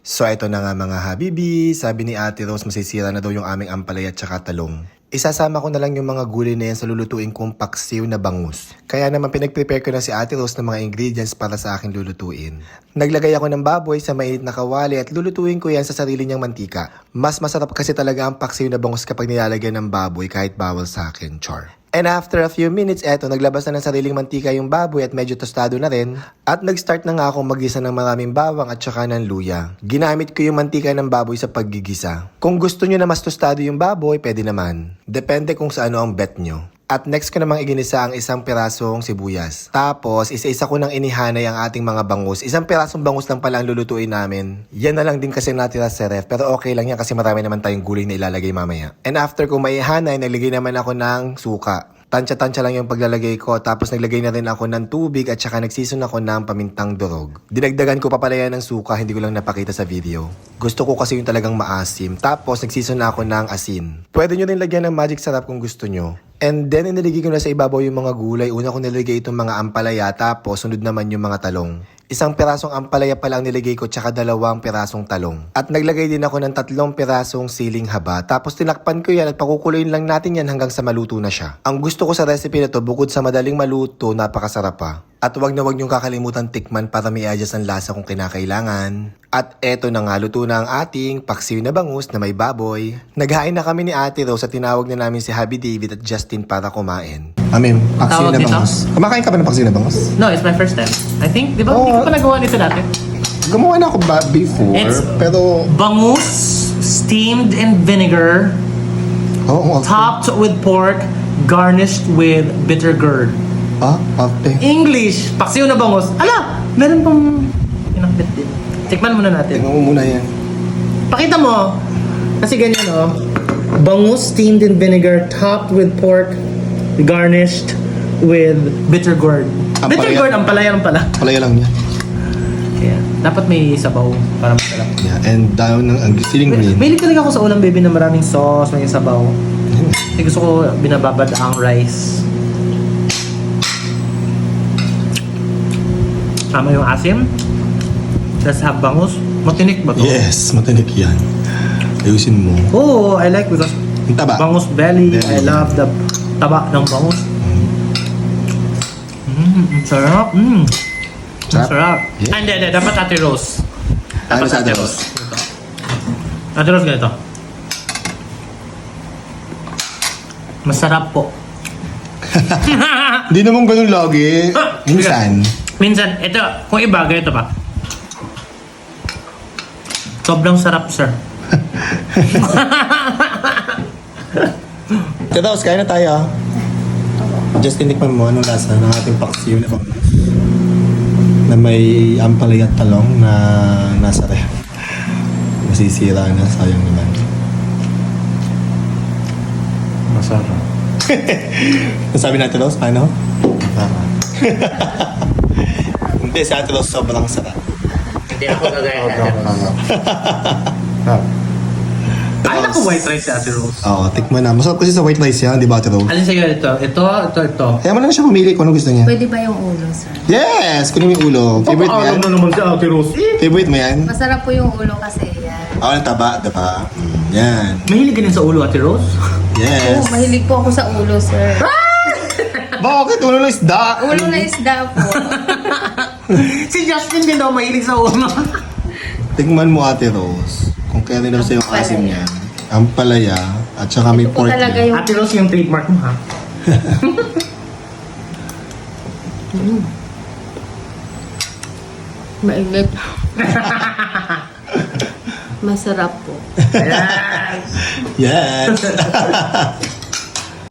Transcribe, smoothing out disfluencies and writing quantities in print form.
So ito na nga mga habibi, sabi ni Ate Rose masisira na daw yung aming ampalaya at saka talong. Isasama ko na lang yung mga gulay na yan sa lulutuin kong paksiw na bangus. Kaya naman pinag-prepare ko na si Ate Rose ng mga ingredients para sa akin lulutuin. Naglagay ako ng baboy sa mainit na kawali at lulutuin ko yan sa sarili niyang mantika. Mas masarap kasi talaga ang paksiw na bangus kapag nilalagyan ng baboy kahit bawal sa akin, char. And after a few minutes, eto, naglabas na ng sariling mantika yung baboy at medyo tostado na rin. At nag-start na nga akong magisa ng maraming bawang at saka ng luya. Ginamit ko yung mantika ng baboy sa paggigisa. Kung gusto nyo na mas tostado yung baboy, pwede naman. Depende kung sa ano ang bet nyo. At next ko namang iginisa ang isang pirasong sibuyas. Tapos, isa-isa ko nang inihanay ang ating mga bangus. Isang pirasong bangus lang pala ang lulutuin namin. Yan na lang din kasi natira sa ref. Pero okay lang yan kasi marami naman tayong gulay na ilalagay mamaya. And after ko maihanay, naglagay naman ako ng suka. Tansya-tansya lang yung paglalagay ko. Tapos naglagay na rin ako ng tubig at saka nagseason ako ng pamintang durog. Dinagdagan ko pa pala yan ng suka, hindi ko lang napakita sa video. Gusto ko kasi yung talagang maasim. Tapos nagseason na ako ng asin. Pwede nyo rin lagyan ng magic sarap kung gusto nyo. And then inilagay ko na sa ibabaw yung mga gulay. Una ko nilagay itong mga ampalaya, tapos sunod naman yung mga talong. Isang pirasong ampalaya pa lang nilagay ko tsaka 2 pirasong talong. At naglagay din ako ng 3 pirasong siling haba. Tapos tinakpan ko yan at pakukuloyin lang natin yan hanggang sa maluto na siya. Ang gusto ko sa recipe na to, bukod sa madaling maluto, napakasarap pa. At wag na wag niyong kakalimutan tikman para may adjust ang lasa kung kinakailangan. At eto na nga, luto na ang ating paksiw na bangus na may baboy. Naghain na kami ni Ate Rose at tinawag na namin si Happy David at Justin para kumain. Amin, paksiw na bangus. Kumakain ka ba ng paksiw na bangus? No, it's my first time. I think, di ba? Hindi ko pa nagawa nito dati. Gumawa na ako before, It's pero... bangus steamed in vinegar, Oh, okay. topped with pork, garnished with bitter gourd. Ah, okay. English, paksiw na bangus. Ala, meron pang inakbit din. Tikman muna natin. Tingnan mo muna yan. Pakita mo. Kasi ganyan, oh. Bangus steamed in vinegar, topped with pork, garnished with bitter gourd. Bitter gourd, ang palaya pala. Palaya lang yan. Kaya, dapat may sabaw para masarap. Yeah, and down ng siling green. Mahilig talaga ako sa ulam, baby, na maraming sauce, may sabaw. Kasi gusto ko binababad ang rice. Tama yung asim. Tapos bangus. Matinik ba to? Yes, matinik yan. Ayusin mo. Oh, I like because Yung taba. bangus belly. Belly. I love the taba ng bangus. Sarap. Sarap? Sarap. Yeah. Ah, hindi. Dapat Ate Rose. Ano Dapat sa Ate Ate Rose. Ito. Ate Rose, ganito. Masarap po. Hindi naman ganun lagi. Minsan. Minsan, ito, kung iba, ganito pa. Sobrang sarap, sir. Tapos, kain na tayo. Just tinikman mo anong lasa ng ating paksiw na bangus. Na may ampalaya at talong na nasa ref. Masisira na, sayang naman. Masarap. Nasabi natin, Rose, paano? Masarap. Hindi, si Ate Rose sobrang sarap. Hindi ako gagaya ng Ate Rose. Ay, naku, white rice si Ate Rose. Oo, tikman na. Masarap kasi sa white rice yan, di ba, Ate Rose? Alin sa'yo ito? Ito. Kaya mo lang siya pumili kung ano gusto niya. Pwede ba yung ulo, sir? Yes! Kunin mo yung ulo. Favorite mo yan? naman si Ate Rose. Favorite mo yan? Masarap po yung ulo kasi yan. Ako ng taba, diba? Yan. Mahilig ka din sa ulo, Ate Rose? Yes. Oo, mahilig po ako sa ulo, sir. Bakit? Ulo ng isda? Ulo na isda po. Si Justin din daw mahilig sa ulo. Tingnan mo, Ate Rose. Kung kaya rin sa yung asim niya. Ang palaya at saka may Ito po pork talaga niya. yung... Ate Rose yung trademark mo, ha? Mainit. Masarap po. Ayan. Yes!